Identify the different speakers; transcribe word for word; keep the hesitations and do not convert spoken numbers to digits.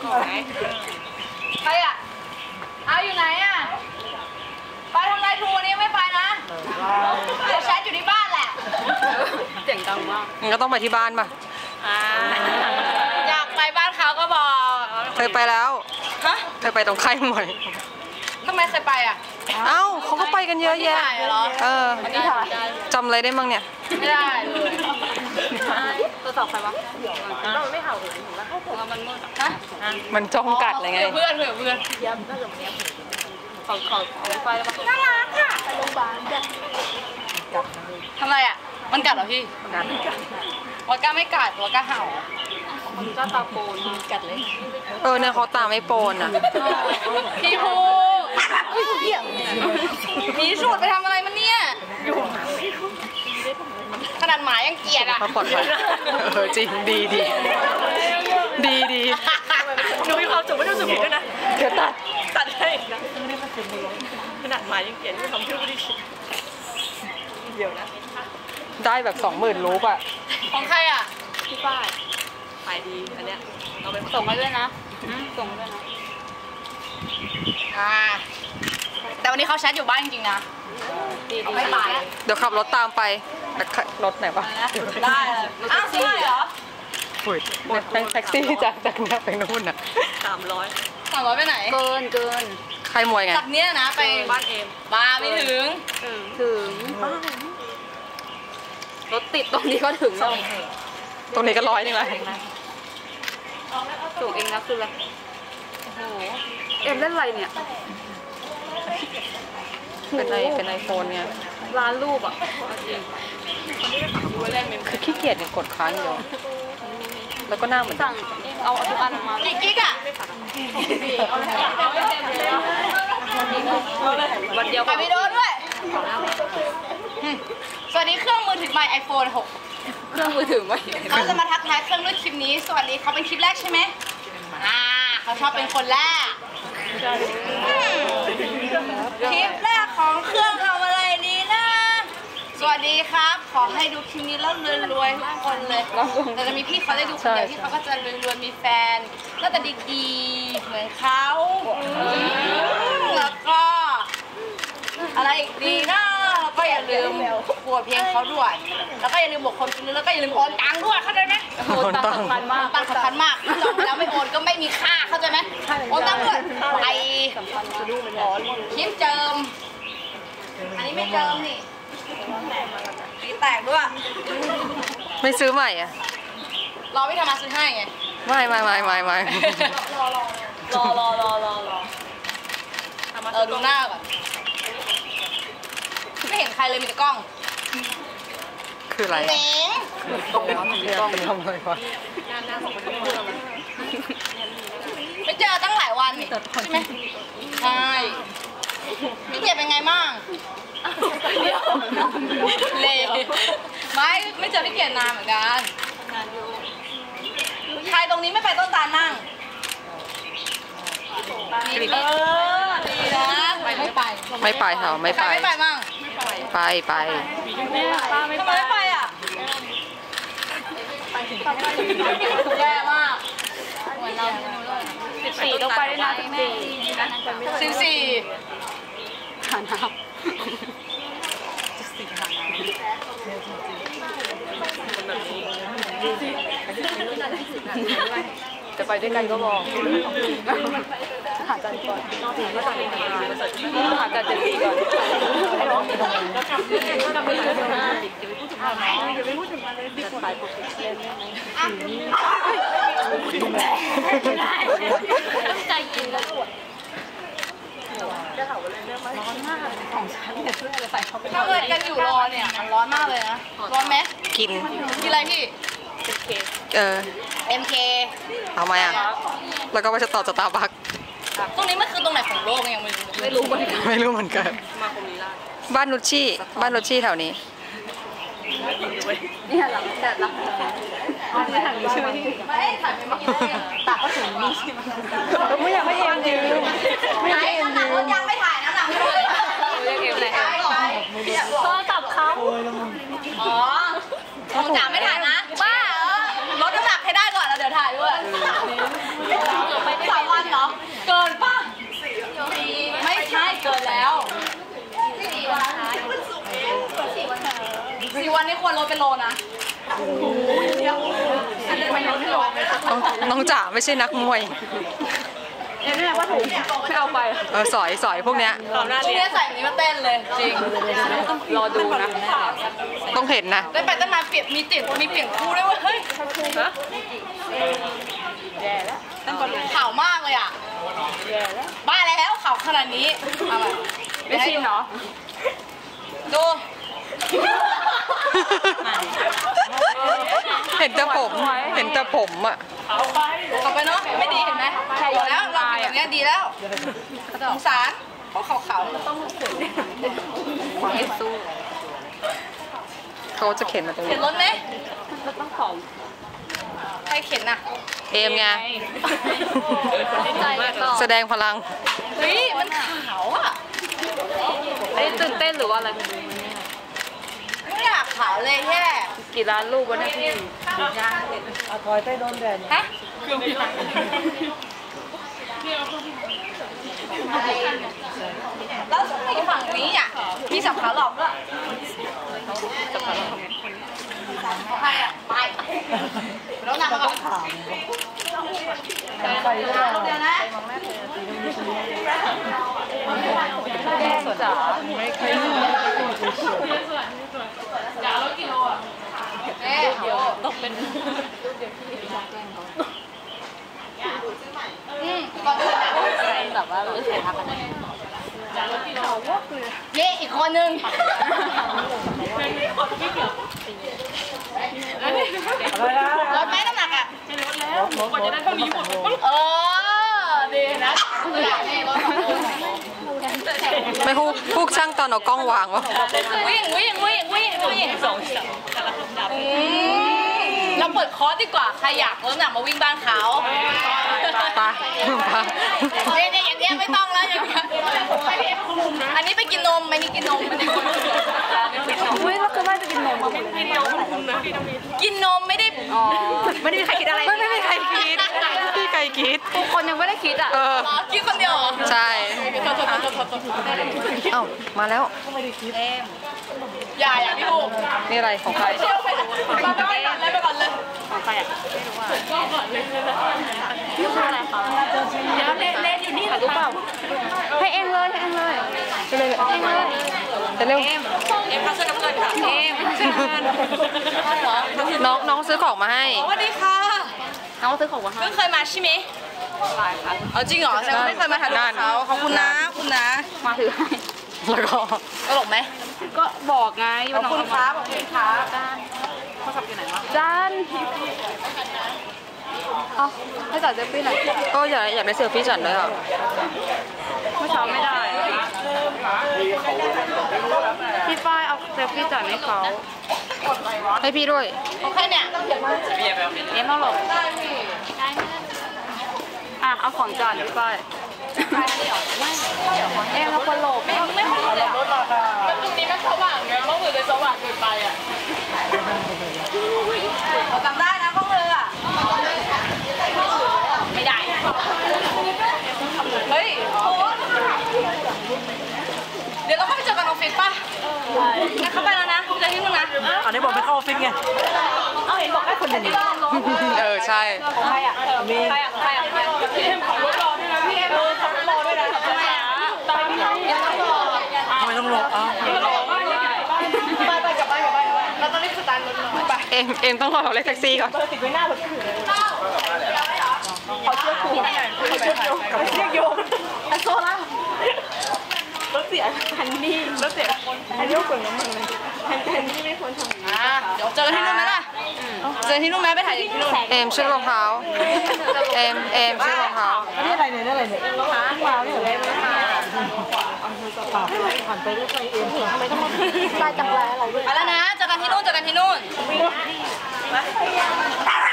Speaker 1: ใครอ่ะเอาอยู่ไหนอ่ะไปทำไรทูวันนี้ไม่ไปนะเดี๋ยวแชทอยู่ที่บ้านแหละเสียงดังมากงั้นก็ต้องไปที่บ้านป่ะอยากไปบ้านเขาก็บอกเคยไปแล้วฮะเคยไปตรงค่ายมวยทำไมเคยไปอ่ะเอ้าเขาก็ไปกันเยอะแยะเออจำอะไรได้มั่งเนี่ยไม่ได้เลยตัวสอบใครวะเราไม่เห่าเลยถูกไหมมันมืดนะมันจ้องกัดอะไรไงเพื่อนเพื่อนเพื่อนย้ำน่าจะเนี้ยขอขอขอไฟแล้วปะน่ารักค่ะไปโรงพยาบาลทำไรอ่ะมันกัดเหรอพี่กัดวาก้าไม่กัดวาก้าเห่ามันก็ตาโปนกัดเลยเออเนี่ยเขาตาไม่โปนอ่ะพี่ภูมีสูตรไปทำอะไรมันเนี่ยขนาดหมายังเกลียดอ่ะปลอดภัยเออจริงดีดีดีดีหนูมีความสุขไม่ต้องสุขผิดด้วยนะเดี๋ยวตัดตัดให้นะขนาดหมายังเกลียดไม่ทำเพื่อไม่ได้คิดเดี๋ยวนะได้แบบสองหมื่นรูปอ่ะของใครอ่ะพี่ป้ายขายดีอันเนี้ยเอาไปส่งมาด้วยนะส่งมาด้วยนะอ่าแต่วันนี้เขาแชทอยู่บ้านจริงๆนะไม่ไปเดี๋ยวขับรถตามไปรถไหนวะได้อ้าวใช่เหรอฝุ่ยแท็กซี่จากจากเนี้ยไปนู่นอ่ะสามร้อยสามร้อยไปไหนเกินเกินใครมวยไงจากเนี้ยนะไปบ้านเอ็มบ้าไม่ถึงถึงรถติดตรงนี้ก็ถึงแล้วตรงนี้ก็ร้อยนึงเลยถูกเองนะคืออะไรโอ้โหเอ็มเล่นอะไรเนี่ยเป็นไอเป็นไอโฟนเนี่ยร้านรูปอ่ะจริงคือขี้เกียจเนี่ยกดค้างเดียวแล้วก็หน้าเหมือนสั่งเอาทุกอันมากี่กิ๊กอ่ะวันเดียวไปวิดีโอด้วยสวัสดีเครื่องมือถือใหม่ ไอโฟน หกเครื่องมือถือใหม่เขาจะมาทักทายเครื่องด้วยคลิปนี้สวัสดีเขาเป็นคลิปแรกใช่ไหมอ่าเขาชอบเป็นคนแรกคลิปแรกของเครื่องทำอะไรดีนะสวัสดีครับขอให้ดูคลิปนี้แล้วรวยๆทุกคนเลยแต่จะมีพี่เขาได้ดูคนเดียวที่เขาก็จะรวยๆมีแฟนก็จะดีๆเหมือนเขาแล้วก็อะไรอีกดีนะแล้วก็อย่าลืมกลัวเพียงเขาด้วยแล้วก็อย่าลืมบอกคนซื้อแล้วก็อย่าลืมโอนตังค์ด้วยเข้าใจไหมโอนตังค์สำคัญมากตังค์สำคัญมากจองแล้วไม่โอนก็ไม่มีค่าเข้าใจไหมโอนตังค์ด้วยไปคลิปเจิมอันนี้ไม่เจิมนี่ตีแตกด้วยไม่ซื้อใหม่อ่ะรอพี่ธรรมะซื้อให้ไงไม่ไม่ไม่ไม่ไม่รอรอรอรอรอรอเออดูหน้าก่อนไม่เห็นใครเลยมีแต่กล้องคืออะไรเม้งกล้องวะมันกล้องเป็นทำอะไรวะไม่เจอตั้งหลายวันใช่ไหมใช่พี่เจ็บเป็นไงมั่งเล่ไม่ไม่เจอพี่เกียรตินานเหมือนกันใครตรงนี้ไม่ไปต้นตาลนั่งดีเออดีนะไม่ไปไม่ไปเหรอไม่ไปไม่ไปมั่งไปไปทำไมไม่ไปอ่ะแย่มากเหมือนเราสิบสี่ต้องไปนะสิบสี่สิบสี่หาน้ำจะไปด้วยกันก็บอกหาจันก่อนหาจันเจ็ดสี่ก่อนแล้วกลับเล่นก็กลับไปเลยนะอย่าไปพูดถึงมันอย่าไปพูดถึงมันเลยดิขายผมเล่นได้ไหมต้องใจเย็นแล้วปวดจะถามว่าเล่นเรื่องร้อนมากของฉันเนี่ยเพื่ออะไรใส่เข้าไปถ้าเกิดกันอยู่รอเนี่ยมันร้อนมากเลยนะร้อนไหมกินกินอะไรพี่เออ เอ็ม เค เอาไหมอ่ะแล้วก็ไปจะต่อสตาร์บัคตรงนี้มันคือตรงไหนของโลกยังไม่รู้ไม่รู้เหมือนกันไม่รู้เหมือนกันมาคมลีลาบ้านนุชชี่บ้านนุชชี่แถวนี้นี่หลังแต่ละไม่ถ่ายชื่อที่ไม่ถ่ายไม่ได้ตัดก็ถึงนี่ไม่อยากให้เอ็มยืมไม่ให้เอ็มยืมยังไม่ถ่ายนะหลังไม่เลยเรียกเอ็มเลยโทรศัพท์เขาอ๋อคงจะไม่ถ่ายนะบ้าลดน้ำหนักให้ได้ก่อนแล้วเดี๋ยวถ่ายด้วยนี้ควรลดเป็นโลนะ
Speaker 2: น้องน้องจ๋าไม่ใช่นักมวย
Speaker 1: เอ็มเนี่ยว่าถูกไม่เอาไป
Speaker 2: เออสอยสอยพวกเนี้ย
Speaker 1: พวกเนี้ยใส่นี้มาเต้นเลยจริงรอดูนะ
Speaker 2: ต้องเห็นนะ
Speaker 1: ได้ไปตั้งนานเปลี่ยนมีติดมีเปลี่ยนคู่ด้วยว่าเฮ้ยฮะแย่แล้วข่าวมากเลยอ่ะแย่แล้วบ้าแล้วข่าวขนาดนี้อะไรไม่ชินเนาะดู
Speaker 2: เห็นแต่ผมเห็นแต่ผมอ่ะ
Speaker 1: กลับไปเนาะไม่ดีเห็นไหมบอกแล้วเราเป็นอย่างนี้ดีแล้วสงสารเพราะเขาเขาต้องเข็นไม่สู้
Speaker 2: เขาจะเข็นมาตรงนี้
Speaker 1: เข็นรถไหมรถต้องของใครเข็นน่ะ
Speaker 2: เอมไงแสดงพลัง
Speaker 1: เฮ้ยมันขาวอ่ะไอ้ตื่นเต้นหรือว่าอะไรไม่อยากขาวเลยแค่กี่ล้านลูกวะเนี่ยพี่
Speaker 3: เอาถอยไปโดนแดด
Speaker 1: ฮะแล้วในฝั่งนี้อ่ะมีสับขาหลอกด้วยสับขาหลอกใครอ่ะไปแล้วนำมาก่อนไปเดี๋ยวนะจ๋าไม่เคยจ๋าแล้วกิโลอ่ะเอ๊ะต้องเป็นอืมก่อนแบบว่ารู้สึกทักกันเย่อีกคนนึงลดไหมน้ำหนักอ่ะลดแล้วกว่าจะได้เท่านี้หมดเออดีนะ
Speaker 2: ไม่พูดพูดช่างตอนเอากล้องวางวะ
Speaker 1: วิ่งวิ่งวิ่งวิ่งวิ่งสองเราเปิดคอร์สดีกว่าใครอยากลดน้ำหนักมาวิ่งบ้านเขา
Speaker 2: ไป
Speaker 1: ไปเนี่ยอย่างเงี้ยไม่ต้องแล้วอย่างเงี้ยอันนี้ไปกินนมไม่นี่กินนมไม่ได้
Speaker 3: อุ้ยเราคือว่าจะกินนม
Speaker 1: กินนมคุณนะกินนมไม่ได้อ๋อไม่ได้มีใครคิดอะไร
Speaker 2: ไม่ไม่มีใครคิดพี่ใครคิด
Speaker 1: ทุกคนยังไม่ได้คิดอ่ะคิดคนเดียว
Speaker 2: ใช่เอ้ามาแล้ว
Speaker 1: อย่าอย่าพี่ลูก
Speaker 2: นี่อะไรของใคร
Speaker 1: ไปก่อนเลยไปก่อนเลยของใครอ่ะไม่รู้ว่าก่อนเลยนี่คืออะไรคะเดี๋ยวเล่นอยู่นี่รู้เปล่า
Speaker 2: ให้เองเลยให้เองเลยไปเลยเองเลยแต่เร็ว
Speaker 1: เอ็มเอ็มเขาซื้อกับเพื่อนค่ะเอ็ม
Speaker 2: น้องน้องซื้อของมาให้
Speaker 1: สวัสดีค่ะ
Speaker 2: น้องซื้อของมาให้
Speaker 1: เพิ่งเคยมาใช่ไหมหลายครั้งเอาจริงเหรอฉันไม่เคยมาถ่ายรูปเขาขอบคุณนะคุณนะ
Speaker 2: มาถือให้แล้วก็
Speaker 1: ตลกไหม
Speaker 2: ก็บอกไง
Speaker 1: ขอบคุณครับขอบคุณครับเขาขับอยู่ไหนวะ
Speaker 2: จานเอาให้จัดเซลฟี่หน่อยก็อยากอยากได้เซลฟี่จัดด้วยอ่ะ
Speaker 1: เมื่อเช้าไม่ได้
Speaker 2: พี่ป้ายเอาเซลฟี่จัดให้เขาให้พี่ด้วย
Speaker 1: โอเคเนี่ย
Speaker 2: เอ็มต้องหลบอ่ะเอาของจานพี่ป้ายเอ็มเราคนหลบ
Speaker 1: ไม่ไม่ไม่เลยรถราคาตรงนี้มันสว่างไงต้องถือในสว่างเกินไปอ่ะเราจำได้นะข้องเรืออ่ะไม่ได้เฮ้ยเดี๋ยวเราเข้าไปเจอกันออฟฟิศป่ะงั้นเข้าไปแล้วนะเจอที่นู่นนะ
Speaker 3: อันนี้บอกไปเข้าออฟฟิศไง
Speaker 1: เอาเห็นบอกให้คนเดียว
Speaker 2: เออใช่
Speaker 1: ใครอ่ะมีใครอ่ะใครอ่ะพี่เอ็มขับรถรอด้วยนะพี่เอ็มขับรถรอด้วยนะทำไมอ่ะตามพี่เอ็มต้องรอ
Speaker 3: ทำไมต้องรออ้าว
Speaker 1: ไปไปกลับบ้านกลับบ้านเราต้องรีบสตาร์ทรถหน่อยไป
Speaker 2: เอ็มเอ็มต้องรอเราเรียกแท็กซี่ก่อน
Speaker 1: ติดไว้หน้ารถถือเขาเชือกผูกเขาเชือกโยงกับเชือกโยงอันโซล่ารถเสียคันนี้รถเสียอันนี้ก็กดน้ำมันเลยคันนี้ไม่ควรทำอ่าเดี๋ยวเจอที่นู่นไหมล่ะเจอที่นู่นไหมไปถ่ายที่นู่น
Speaker 2: เอ็มชื่อรองเท้าเอ็มเอ็มชื่อรองเท้า
Speaker 3: นี่อะไรเนี่ยนี่อะไรเนี่ย
Speaker 1: รองเท้ามาเนี่ยเลยมา
Speaker 3: ผ่านไปด้วยไฟเอ็มทำไมต้องมา
Speaker 1: ไปจังไรอะไรด้วยไปแล้วนะเจอกันที่นู่นเจอกันที่นู่น